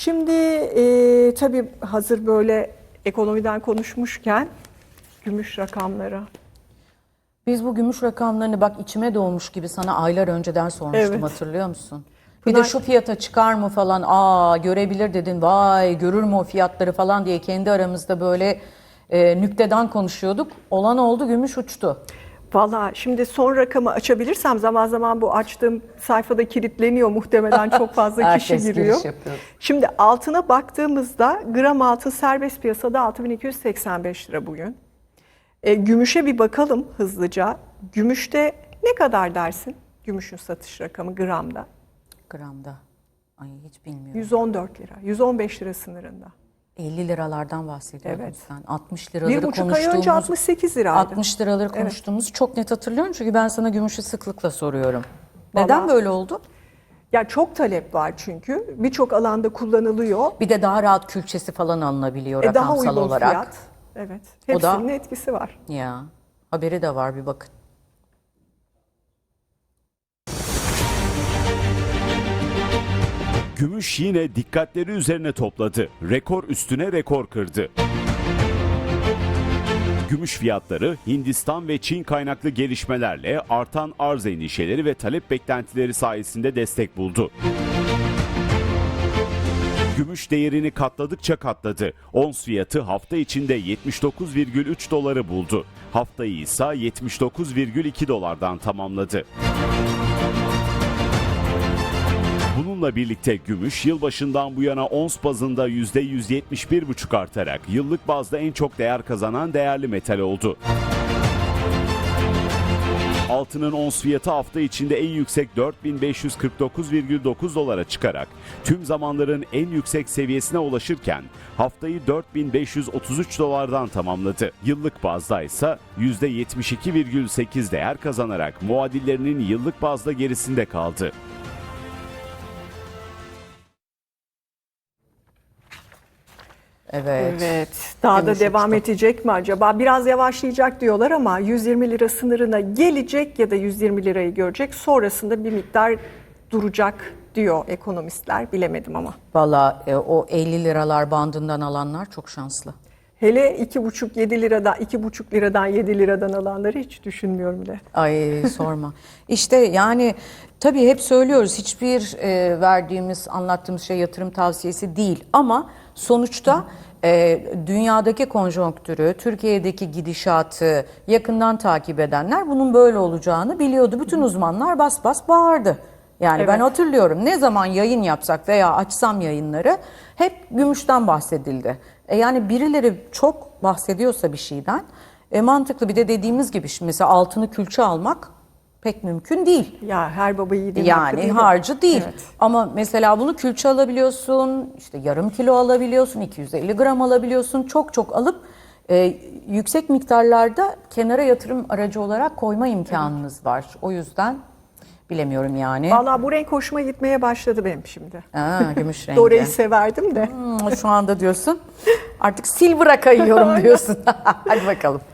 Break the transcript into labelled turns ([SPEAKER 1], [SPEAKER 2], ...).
[SPEAKER 1] Şimdi tabii hazır böyle ekonomiden konuşmuşken gümüş rakamları.
[SPEAKER 2] Biz bu gümüş rakamlarını bak içime doğmuş gibi sana aylar önceden sormuştum,
[SPEAKER 1] Evet.
[SPEAKER 2] hatırlıyor musun? Bir de şu fiyata çıkar mı falan, görebilir dedin, vay görür mü o fiyatları falan diye kendi aramızda böyle nükteden konuşuyorduk. Olan oldu, gümüş uçtu.
[SPEAKER 1] Valla şimdi son rakamı açabilirsem zaman zaman bu açtığım sayfada kilitleniyor muhtemelen çok fazla kişi
[SPEAKER 2] Herkes
[SPEAKER 1] giriyor.
[SPEAKER 2] giriş yapıyor.
[SPEAKER 1] Şimdi altına baktığımızda gram altın serbest piyasada 6285 lira bugün. Gümüşe bir bakalım hızlıca. Gümüşte ne kadar dersin? Gümüşün satış rakamı gramda.
[SPEAKER 2] Gramda. Ay hiç bilmiyorum.
[SPEAKER 1] 114 lira, 115 lira sınırında.
[SPEAKER 2] 50 liralardan bahsediyordun
[SPEAKER 1] Evet.
[SPEAKER 2] sen. 60 liraları
[SPEAKER 1] 1,5 ay önce 68 liraydı.
[SPEAKER 2] 60 liraları konuştuğumuzu çok net hatırlıyorum. Çünkü ben sana gümüşü sıklıkla soruyorum. Neden
[SPEAKER 1] Vallahi-
[SPEAKER 2] böyle oldu?
[SPEAKER 1] Ya çok talep var çünkü. Birçok alanda kullanılıyor.
[SPEAKER 2] Bir de daha rahat külçesi falan alınabiliyor
[SPEAKER 1] Daha
[SPEAKER 2] rakamsal
[SPEAKER 1] uygun
[SPEAKER 2] olarak.
[SPEAKER 1] fiyat. Evet.
[SPEAKER 2] O da-
[SPEAKER 1] Hepsinin etkisi var.
[SPEAKER 2] Ya haberi de var, bir bakın.
[SPEAKER 3] Gümüş yine dikkatleri üzerine topladı. Rekor üstüne rekor kırdı. Gümüş fiyatları Hindistan ve Çin kaynaklı gelişmelerle artan arz endişeleri ve talep beklentileri sayesinde destek buldu. Gümüş değerini katladıkça katladı. Ons fiyatı hafta içinde 79,3 doları buldu. Haftayı ise 79,2 dolardan tamamladı. Bununla birlikte gümüş yılbaşından bu yana ons bazında %171,5 artarak yıllık bazda en çok değer kazanan değerli metal oldu. Altının ons fiyatı hafta içinde en yüksek 4549,9 dolara çıkarak tüm zamanların en yüksek seviyesine ulaşırken haftayı 4533 dolardan tamamladı. Yıllık bazda ise %72,8 değer kazanarak muadillerinin yıllık bazda gerisinde kaldı.
[SPEAKER 2] Evet.
[SPEAKER 1] Evet. Daha da
[SPEAKER 2] Gümüş
[SPEAKER 1] devam
[SPEAKER 2] uçtu.
[SPEAKER 1] edecek mi acaba? Biraz yavaşlayacak diyorlar ama 120 lira sınırına gelecek ya da 120 lirayı görecek. Sonrasında bir miktar duracak diyor ekonomistler. Bilemedim ama.
[SPEAKER 2] Valla o 50 liralar bandından alanlar çok şanslı.
[SPEAKER 1] Hele 2,5 liradan 2,5 liradan 7 liradan alanları hiç düşünmüyorum bile.
[SPEAKER 2] Ay sorma. İşte yani tabii hep söylüyoruz, hiçbir verdiğimiz, anlattığımız şey yatırım tavsiyesi değil. Ama sonuçta dünyadaki konjonktürü, Türkiye'deki gidişatı yakından takip edenler bunun böyle olacağını biliyordu. Bütün uzmanlar bas bas bağırdı. Yani
[SPEAKER 1] Evet.
[SPEAKER 2] ben hatırlıyorum, ne zaman yayın yapsak veya açsam yayınları hep gümüşten bahsedildi. Yani birileri çok bahsediyorsa bir şeyden mantıklı. Bir de dediğimiz gibi şimdi mesela altını külçe almak pek mümkün değil.
[SPEAKER 1] Ya her baba yiğidin hakkı
[SPEAKER 2] Yani
[SPEAKER 1] değil mi?
[SPEAKER 2] harcı değil.
[SPEAKER 1] Evet.
[SPEAKER 2] Ama mesela bunu külçe alabiliyorsun, işte yarım kilo alabiliyorsun, 250 gram alabiliyorsun. Çok çok alıp yüksek miktarlarda kenara yatırım aracı olarak koyma imkanınız var. O yüzden bilemiyorum yani.
[SPEAKER 1] Vallahi bu renk hoşuma gitmeye başladı benim şimdi.
[SPEAKER 2] Gümüş rengi.
[SPEAKER 1] Dore'yi severdim de.
[SPEAKER 2] Şu anda diyorsun artık silver'a kayıyorum diyorsun. Hadi bakalım.